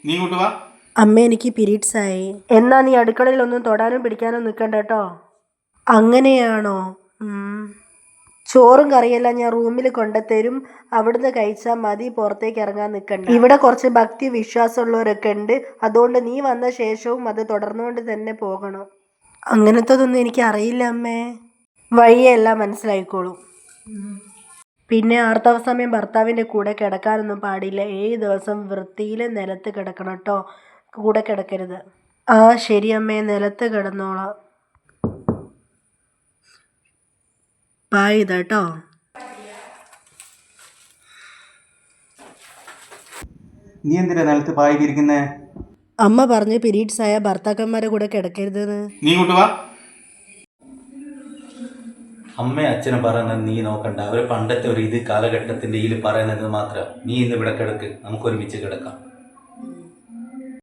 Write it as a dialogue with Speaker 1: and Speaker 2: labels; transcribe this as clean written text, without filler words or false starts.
Speaker 1: നീ ഇങ്ങോട്ട് വാ.
Speaker 2: അമ്മ എനിക്ക് പീരീഡ്സ് ആയി. എന്നാ നീ അടുക്കളയിലൊന്നും തൊടാനും പിടിക്കാനും നിൽക്കണ്ട കേട്ടോ. അങ്ങനെയാണോ? ചോറും കറിയെല്ലാം ഞാൻ റൂമിൽ കൊണ്ടുത്തരും, അവിടുന്ന് കഴിച്ചാൽ മതി, പുറത്തേക്ക് ഇറങ്ങാൻ നിൽക്കണ്ട. ഇവിടെ കുറച്ച് ഭക്തി വിശ്വാസമുള്ളവരൊക്കെ ഉണ്ട്, അതുകൊണ്ട് നീ വന്ന ശേഷവും അത് തുടർന്നുകൊണ്ട് തന്നെ പോകണം. അങ്ങനത്തതൊന്നും എനിക്ക് അറിയില്ല അമ്മേ. വഴിയെല്ലാം മനസ്സിലായിക്കോളും. പിന്നെ ആർത്തവ സമയം ഭർത്താവിൻ്റെ കൂടെ കിടക്കാനൊന്നും പാടില്ല. 7 ദിവസം വൃത്തിയിൽ നിലത്ത് കിടക്കണം കേട്ടോ, കൂടെ കിടക്കരുത്. ആ ശരി അമ്മേ, നിലത്ത് കിടന്നോളാം. ബായ് ഇതാട്ടോ.
Speaker 1: നീ എന്തിനാ നിലത്ത് പായിക്കിരിക്കുന്നേ?
Speaker 2: അമ്മ പറഞ്ഞു പീരീഡ്സ് ആയ ഭർത്താക്കന്മാരെ കൂടെ കിടക്കരുതെന്ന്.
Speaker 1: നീ ഇങ്ങോട്ട് വാ.
Speaker 3: അമ്മയും അച്ഛനും പറയുന്നത് നീ നോക്കണ്ട. അവർ പണ്ടത്തെ ഒരു കാലഘട്ടത്തിൻ്റെ ഇതിൽ പറയുന്നത് മാത്രം. നീ ഇന്ന് ഇവിടെ കിടക്ക്, നമുക്ക് ഒരുമിച്ച് കിടക്കാം.